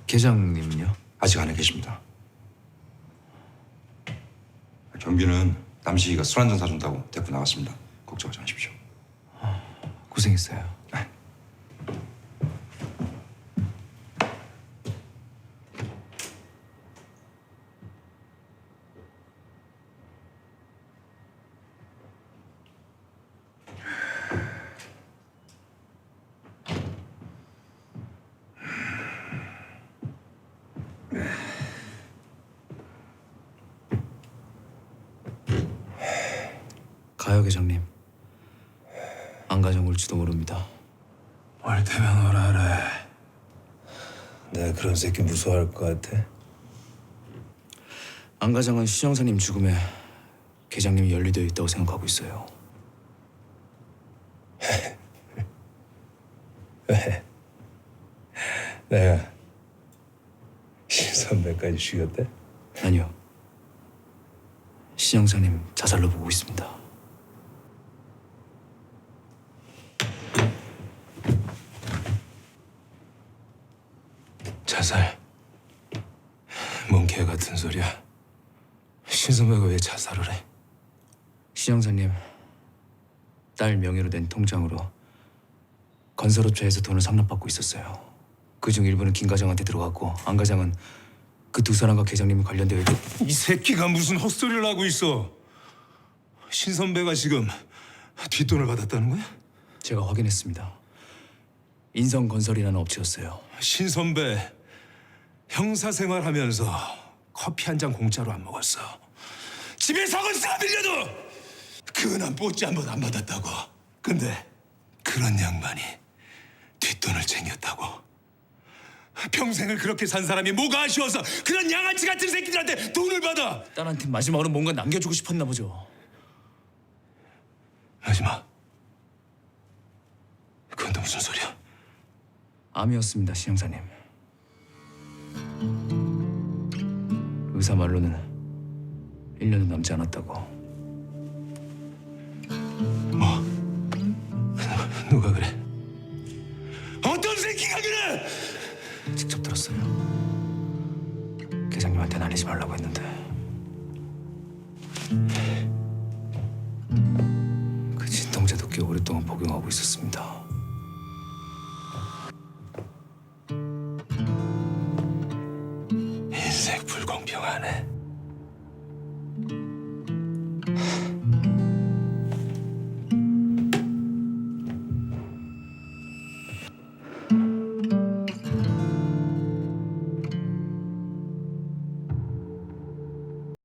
계장님은요? 아직 안에 계십니다. 경비는 남식이가 술 한잔 사준다고 데리고 나갔습니다. 걱정하지 마십시오. 고생했어요. 가요, 계장님. 안 가져올지도 모릅니다. 올 테면 오라래. 내가 그런 새끼 무서워할 것 같아? 안 가장은 시정사님 죽음에 계장님이 연루되어 있다고 생각하고 있어요. 왜? 내가 신선배까지 죽였대? 아니요. 시정사님 자살로 보고 있습니다. 자살? 뭔 개 같은 소리야? 신선배가 왜 자살을 해? 시정사님 딸 명의로 낸 통장으로 건설업체에서 돈을 상납받고 있었어요. 그중 일부는 김 과장한테 들어갔고 안 과장은 그 두 사람과 계장님이 관련되어 있고. 이 새끼가 무슨 헛소리를 하고 있어? 신선배가 지금 뒷돈을 받았다는 거야? 제가 확인했습니다. 인성건설이라는 업체였어요. 신선배 형사생활하면서 커피 한 잔 공짜로 안 먹었어. 집에 사골세가 밀려도 그은한 뽀찌 한 번 안 받았다고. 근데 그런 양반이 뒷돈을 챙겼다고. 평생을 그렇게 산 사람이 뭐가 아쉬워서 그런 양아치 같은 새끼들한테 돈을 받아. 딸한테 마지막으로 뭔가 남겨주고 싶었나 보죠. 마지막. 그건 또 무슨 소리야? 암이었습니다, 시형사님. 의사 말로는 1년도 남지 않았다고. 뭐? 누가 그래? 어떤 새끼가 그래? 직접 들었어요. 계장님한테는 알리지 말라고 했는데. 그 진통제도 꽤 오랫동안 복용하고 있었습니다. 인생 불공평하네.